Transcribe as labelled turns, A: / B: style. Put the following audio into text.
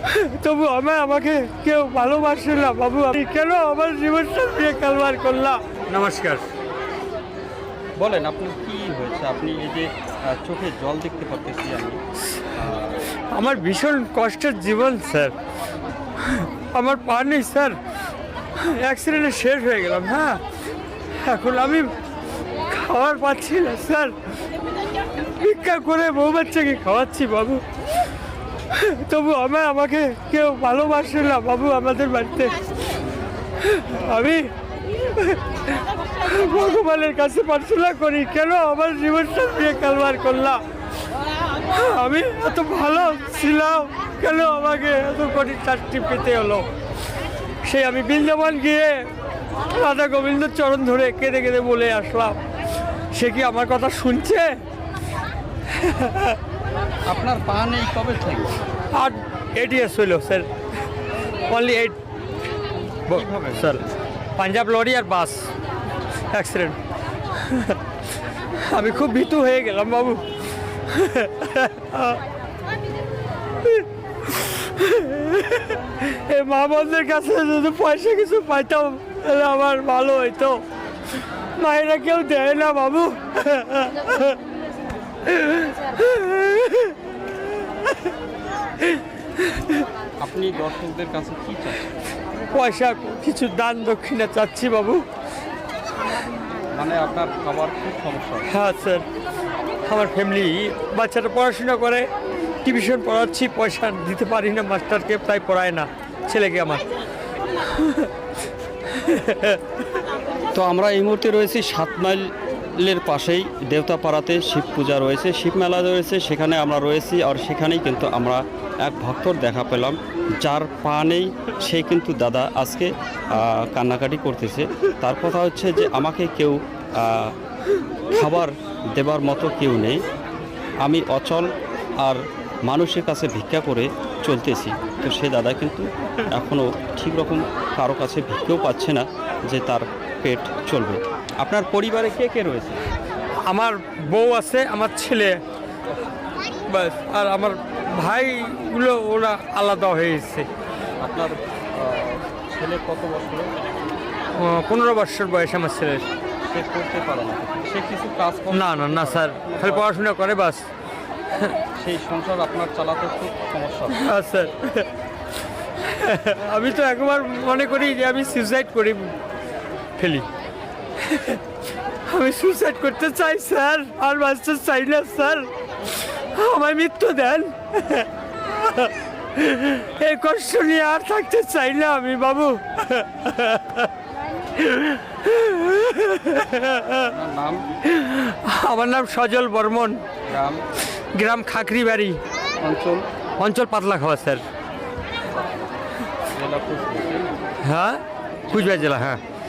A: তবু আমাকে কেউ ভালোবাসে না বাবু। আমি কেন আমার জীবনটা নিয়ে কালবার করলাম? নমস্কার।
B: বলেন আপনার কি হয়েছে? আপনি এই যে চোখে জল দেখতে পারতেছি আমি।
A: আমার ভীষণ কষ্টের জীবন স্যার। আমার পা নেই স্যার, অ্যাক্সিডেন্টে শেষ হয়ে গেলাম। হ্যাঁ, এখন আমি খাবার পাচ্ছি না স্যার, ভিক্ষা করে বউ বাচ্চাকে খাওয়াচ্ছি বাবু। তবু আমাকে কেউ ভালোবাসে না বাবু আমাদের বাড়িতে। আমি ভগবানের কাছে প্রার্থনা করি, কেন আমার জীবনটা নিয়ে কালবার করলাম? আমি এত ভালো ছিলাম, কেন আমাকে এত কঠিন চাকরি পেতে হলো? সেই আমি বৃন্দাবন গিয়ে রাধা গোবিন্দ চরণ ধরে কেঁদে কেঁদে বলে আসলাম, সে কি আমার কথা শুনছে?
B: আপনার পা নেই কবে থেকে?
A: আর 8 years হইল sir, only 8 sir. Punjab lorry আর বাস অ্যাক্সিডেন্ট। আমি খুব ভীতু হয়ে গেলাম বাবু। এই মা বোনদের কাছে যদি পয়সা কিছু পাইতাম তাহলে আমার ভালো হইতো। মায়েরা কেউ দেয় না বাবু।
B: আপনি দর্শকদের কাছে কি চান?
A: পয়সা কিছু দান দক্ষিণা চাচ্ছি বাবু।
B: মানে আপনার খাবার খুব সমস্যা।
A: হ্যাঁ স্যার, আমার ফ্যামিলি বাচ্চাটা পড়াশোনা করে, টিউশন পড়াচ্ছি, পয়সা দিতে পারি না মাস্টারকে, তাই পড়ায় না ছেলেকে আমার।
B: তো আমরা এই মুহূর্তে রয়েছি 7 মাইলের পাশেই দেবতাপাড়াতে শিব পূজা রয়েছে, শিব মেলা রয়েছে, সেখানে আমরা রয়েছি। আর সেখানেই কিন্তু আমরা এক ভক্তর দেখা পেলাম, যার পা নেই। সে কিন্তু দাদা আজকে কান্নাকাটি করতেছে। তার কথা হচ্ছে যে আমাকে কেউ খাবার দেবার মতো কেউ নেই, আমি অচল আর মানুষের কাছে ভিক্ষা করে চলতেছি। তো সে দাদা কিন্তু এখনও ঠিক রকম কারো কাছে ভিক্ষাও পাচ্ছে না যে তার পেট চলবে। আপনার পরিবারে কে কে রয়েছে?
A: আমার বউ আছে, আমার ছেলে, ব্যাস। আর আমার ভাইগুলো ওরা আলাদা হয়ে এসেছে।
B: আপনার ছেলে কত বছর?
A: 15 বছর বয়স আমার ছেলের।
B: সে করতে পারে না, সে কিছু কাজ করে
A: না না না স্যার, খালি পড়াশোনা করে বাস।
B: সেই সংসার আপনার চালাতে খুব সমস্যা।
A: হ্যাঁ স্যার, আমি তো একবার মনে করি যে আমি সুইসাইড করি ফেলি। আমি সুইসাইড করতে চাই স্যার, আর বাঁচতে চাই না স্যার, আমায় মৃত্যু দেন। এই কষ্ট নিয়ে আর থাকতে চাই না আমি বাবু।
B: নাম?
A: আমার নাম সজল বর্মন,
B: গ্রাম?
A: গ্রাম খাকরিবাড়ি,
B: অঞ্চল?
A: অঞ্চল পাতলা খাওয়া স্যার।
B: জেলা?
A: হ্যাঁ, কুচবিহার জেলা। হ্যাঁ।